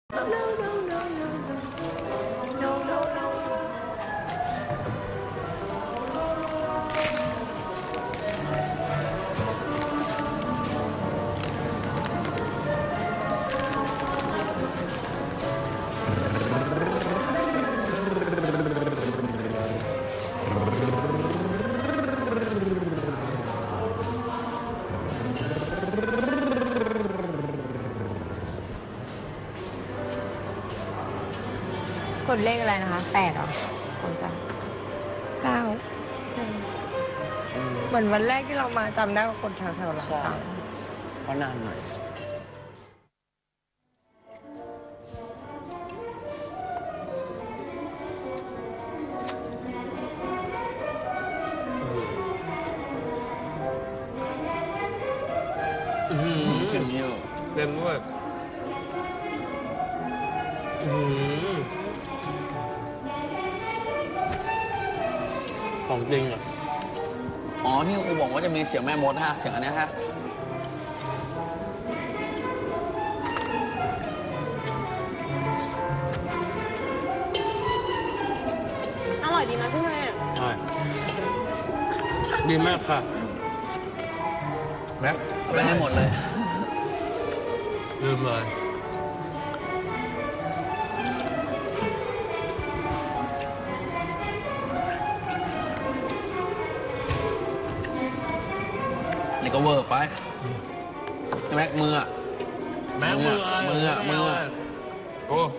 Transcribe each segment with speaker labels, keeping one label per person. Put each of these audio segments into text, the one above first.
Speaker 1: กดเลขอะไรนะคะ8หรอคนกัน9เหมือนวันแรกที่เรามาจำได้ว่ากดแถวๆหลังเต่า
Speaker 2: เพราะนานหน่อย
Speaker 3: เค็มอยู่เค็มด้วยของจริงอ่ะอ๋อที่ครูบอกว่าจะมีเสียงแม่มดฮะเสียงอันนี้ฮะ
Speaker 1: อร่อยดีนะพี่แม่
Speaker 3: ใช่ดีมากค่ะแม็ก
Speaker 2: ไปให้หมดเลย
Speaker 3: ลืมเลย
Speaker 2: นี่ก็เวอร์ไปแม็กมือ
Speaker 3: แม็กมือโอ้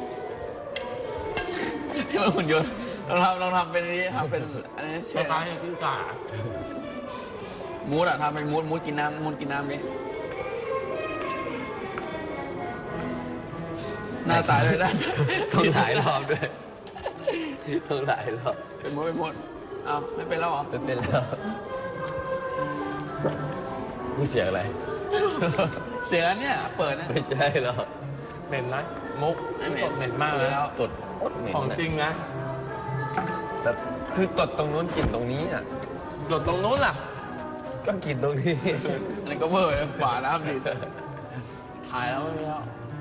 Speaker 2: ที่มันหุ่นยนต์ลองทำเป็นนี้ทำเป็นอันนี้
Speaker 3: ใช่ไหมกิ้งก่า
Speaker 2: มูดทำเป็นมูดกินน้ำกินน้ำดิหน้าตายเลยนะ
Speaker 3: ต้องหลายรอบด้วยต้องหลายรอบ
Speaker 2: เป็นมูดอ้าวไม่เป็นแล้วเหรอ
Speaker 3: เป็นแล้วนี่เสียงอะไร
Speaker 2: เสียงอันเนี้ยเปิดนะ
Speaker 3: ไม่ใช่หรอกเหม็นนะมุกเหม็นมากเลยแล้วตดโคตรเหม็นของจริงนะแบบคือตดตรงนู้นกลิ่นตรงนี้อ่ะตดตรงนู้นล่ะก็กลิ่นตรงนี้
Speaker 2: อันนี้ก็เวอร์ฝาน้ำดิถ่ายแล้วไม่มีแล้ว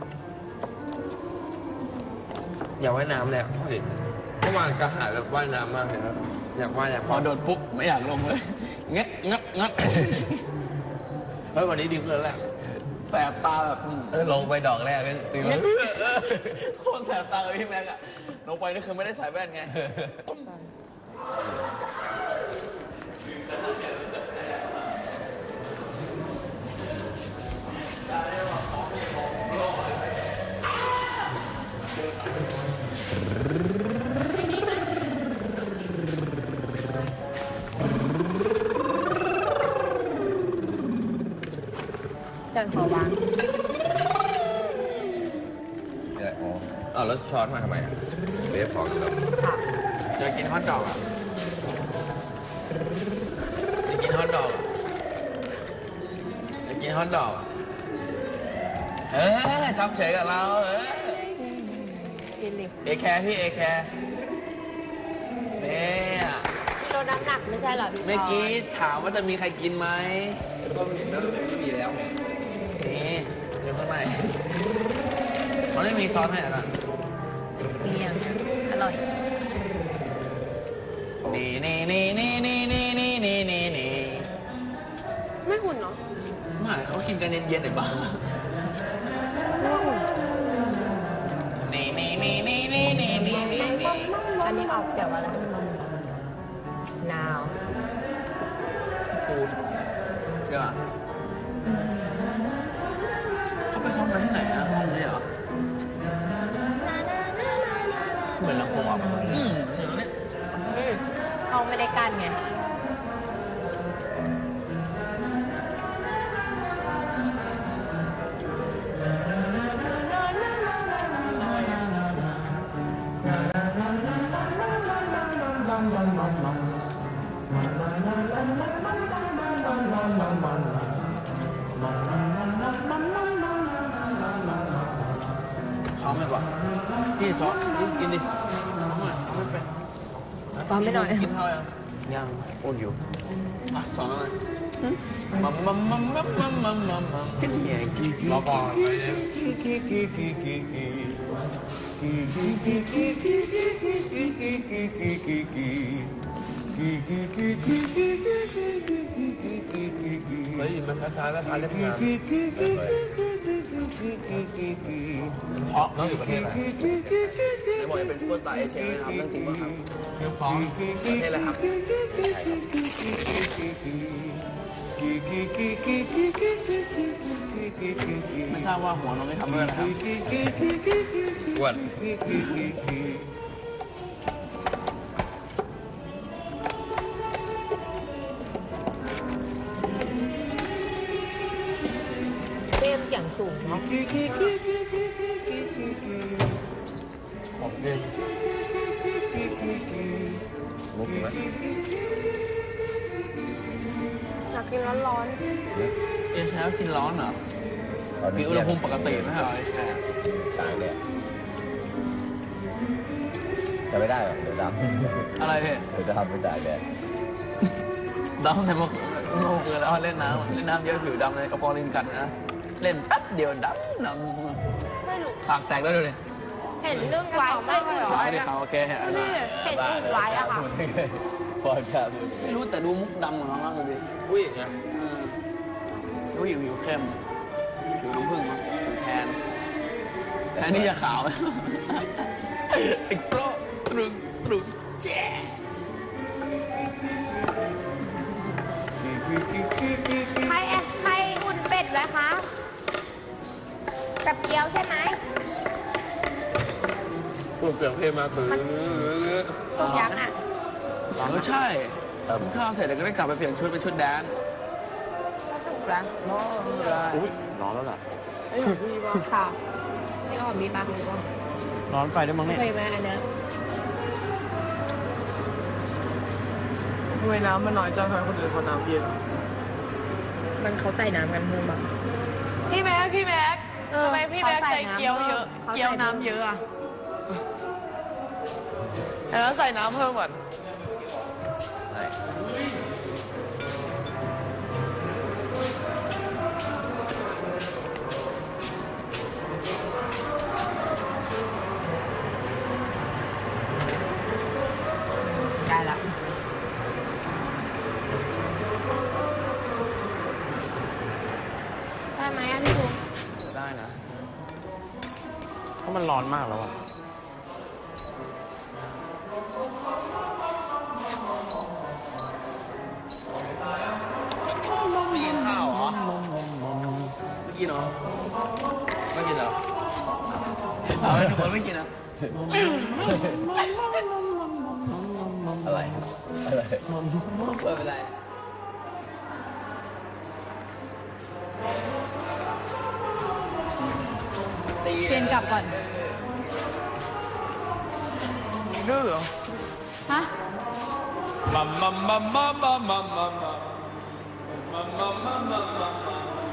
Speaker 3: อยากว่ายน้ำเลยเมื่อวานกระหายแบบว่ายน้ำมากเลยครับอยาก
Speaker 2: พอโดนปุ๊บไม่อยากลงเลยงัด
Speaker 3: เฮ้ยวันนี้ดีขึ้นแล้วแหละ
Speaker 2: แสบตาแบบ
Speaker 3: ลงไปดอกแรกก็ตื่น
Speaker 2: โคตรแสบตาเลยพี่แม็กอะลงไปนี่คือไม่ได้ใส่แว่นไง
Speaker 1: จันขอวาง
Speaker 3: แล้วช้อนมาทำไมเบฟพอกันแล้ว
Speaker 2: อยากกินฮอทดอกอ่ะอยากกินฮอทดอกทำเฉยกับเรา
Speaker 1: กินดิ
Speaker 2: เอแคร์พี่เอแคร์เนี่ย
Speaker 1: ที่ลดน้ำหนักไม่ใช่หรอพี่
Speaker 2: เมื่อกี้ถามว่าจะมีใครกินไหมก็ไม่มีแล้วนี่อยู่ข้างในมันไม่มีซอสให้อ่ะ
Speaker 1: มีอ่ะอร่อย
Speaker 2: นี่
Speaker 1: ไม่หุ่นเนาะ
Speaker 2: ไม่เขากินกันเย็นๆหน่อยบ้างนี่
Speaker 1: อันนี้ออกเสียงอะไรนาว
Speaker 2: ฟูดใช่ป่ะเขาไปซ้อมกันที่ไหนอะห้องนี้เหรอเหมือนลำโพงอ่ะ
Speaker 1: ห้องไม่ได้กั้นไง
Speaker 2: ซ้อมไม่ป่ะที่ซ้อมที่กินดิซ้อมไม่เป็น
Speaker 1: ซ้อมไม่หน่อย
Speaker 2: กินเท่าไหร่
Speaker 3: ยังอ้วนอยู่
Speaker 2: ซ้อมอะไร
Speaker 3: รอก่อนเฮ้ยมันคล้ายๆแล้วคล้ายเล็บงามเพราะน้องอยู่ประเทศอะไรไม่บอกจะเป็นพวกตาเอเชียนะครับเรื่องจริงป่ะครับเรื่องฟ้องประเทศอะไรครับไม่ทราบว่าหัวน้องไม่ทำเมื่อนะครับอ้วน
Speaker 1: เต้มเสียงสูงเนาะ
Speaker 3: ของเล่นมุกไหม
Speaker 1: อยากกินร้อน
Speaker 2: เอชแล้วกินร้อนเหรอมีอุณหภูมิปกติไหมครับเอชแ
Speaker 3: ตายเลยจะไม่ได้หรอเดี๋ยวดำ
Speaker 2: อะไรพี่
Speaker 3: เดี๋ยวจะทำไม่ได้เลย
Speaker 2: ดำแต่เมื่อคืนแล้วเล่นน้ำเยอะผิวดำเลยกระปอลินกัดนะเล่นแป๊บเดียวดำ
Speaker 1: ๆไม่รู้
Speaker 2: ปากแตกแล้วดูดิ
Speaker 1: เห็นเรื่องไว้ไม่เหรอ
Speaker 2: ไว้ดิเขาโอเคอันนี้
Speaker 1: เห็นรูปไว้อะค่ะ
Speaker 3: พอครับ
Speaker 2: ไม่รู้แต่ดูมุกดำของน้องมากเลยดิ
Speaker 3: อุ้ยนะ
Speaker 2: ดูผิวเข้มผิวน้ำผึ้งมั้งแทนที่จะขาวไอ้โปรตรึงแจ๊
Speaker 1: ใครอุ่นเป็ดไว้คะกับเกี๊ยวใช่ไหม
Speaker 3: พูดเปลี่ยนเพลงมาคือ
Speaker 1: ถูกยังอ่ะ
Speaker 2: ใช่กินข้าวเสร็จแล้วก็ได้กลับไปเปลี่ยนชุดเป็นชุดแดน
Speaker 1: ก็ถูกแล้ว
Speaker 3: อุ้ยร้อนแล้วล่ะ
Speaker 1: ค่ะนี่ก็มีปากหรือเปล่า
Speaker 2: ร้อนไปด้วยมั้งเนี่ย
Speaker 1: เคยไหมอันเนี้ย
Speaker 4: ทำไมน้ำมันน้อยจังทำไมคนอื่นเขาน้ำเยอะ
Speaker 1: มันเขาใส่น้ำกันเพิ่มบ้าง
Speaker 4: พี่แม็กทำไมพี่แม็กใส่เกี๊ยวเยอะ
Speaker 1: เขาใส่น้ำ
Speaker 4: เกี๊ยวน้ำเยอะอ่ะแล้วใส่น้ำเพิ่มก่อน
Speaker 1: ได้ละได้ไหมอ่ะพี่ภูมิ
Speaker 2: ได้นะ
Speaker 3: เพราะมันร้อนมากแล้วอ่ะ
Speaker 2: ไม่กินข้าวเหรอไม่กินเหรอไม่กินเหรอเอาไว้ทุกคนไม่กินนะ
Speaker 3: อะไรอะไร
Speaker 2: ไม่เป็นไร
Speaker 1: เปลี่ยนกลับก่อน
Speaker 4: ดื้อเหรอ
Speaker 1: ฮะ
Speaker 3: มัมมัมมัมมัมมัมมัมมัมมัมมัมมัมมัม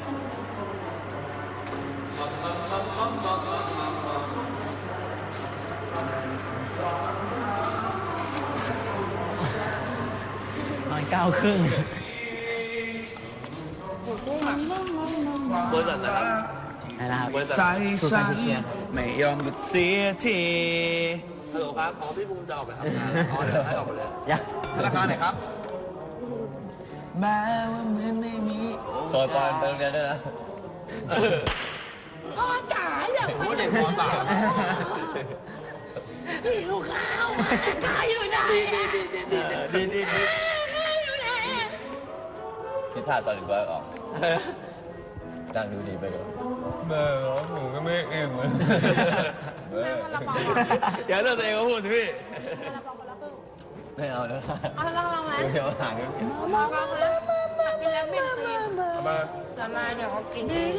Speaker 2: นอน9:30เบอร์สันนะครับเบอร์สันใจฉันไม่ยอมก็เสียทีฮัลโหลครับอ๋อพี่ภูมิจะออกไปทำงานอ๋อเดี๋ยวให้ออกไปเลยธนาคารไหนครับแม้ว่าเหมือนไม่มี
Speaker 3: สอนตอนไปโรงเรียนด้วยนะ
Speaker 1: พ่อจ๋าอย่า
Speaker 2: โอ้เด็กมอสาม
Speaker 1: หิวข้าวอ่ะข้าวอยู่ไหน
Speaker 2: ดี
Speaker 1: ข้าวอยู่ไหน
Speaker 3: คิดท่าตอนหนึ่งก็ออกดังดูดีไปก่อนแม่หนูก็ไม่เอ็มเลย
Speaker 1: แม่มันละปอง
Speaker 2: อย่าเลิกตัวเองก็พูดสิพี่
Speaker 1: มันละปองคนละครึ่ง
Speaker 3: ไม่เอาแล้วค่ะ
Speaker 1: เอาละปองไหม
Speaker 3: เดี๋ยวหาเงิน
Speaker 1: มาบ้างนะกินแล้วเป็นครีม
Speaker 3: มา
Speaker 1: แล้วมาเดี๋ยวเขากินเอง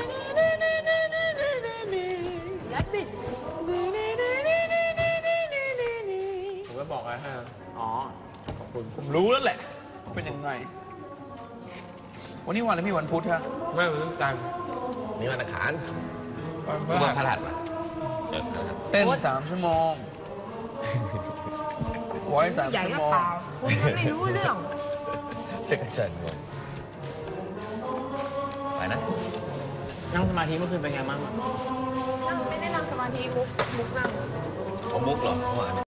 Speaker 1: และบิด
Speaker 3: ผมก็บอกไว้ให้
Speaker 2: อ๋อขอบคุณผมรู้แล้วแหละว่าเป็นยังไงวันนี้วันอะไรพี่วันพุธฮะ
Speaker 3: ไม่ผมต้องจังนี่วันอังคารวันพฤหัสมา
Speaker 2: เต้น3 ชั่วโมงไว้3
Speaker 1: ใหญ่
Speaker 2: ชั่ว
Speaker 1: ก็
Speaker 2: โมง
Speaker 1: เปล่าคุณยังไม่รู้เรื่อง
Speaker 3: เช็คกันจันทร์นะ
Speaker 2: นั่งสมาธิเมื่อคืนเป็นไงบ้าง
Speaker 4: นั่งไม่ได้นั่งสมาธิมุกนั่ง
Speaker 3: เอามุกเหรอเมื่อวาน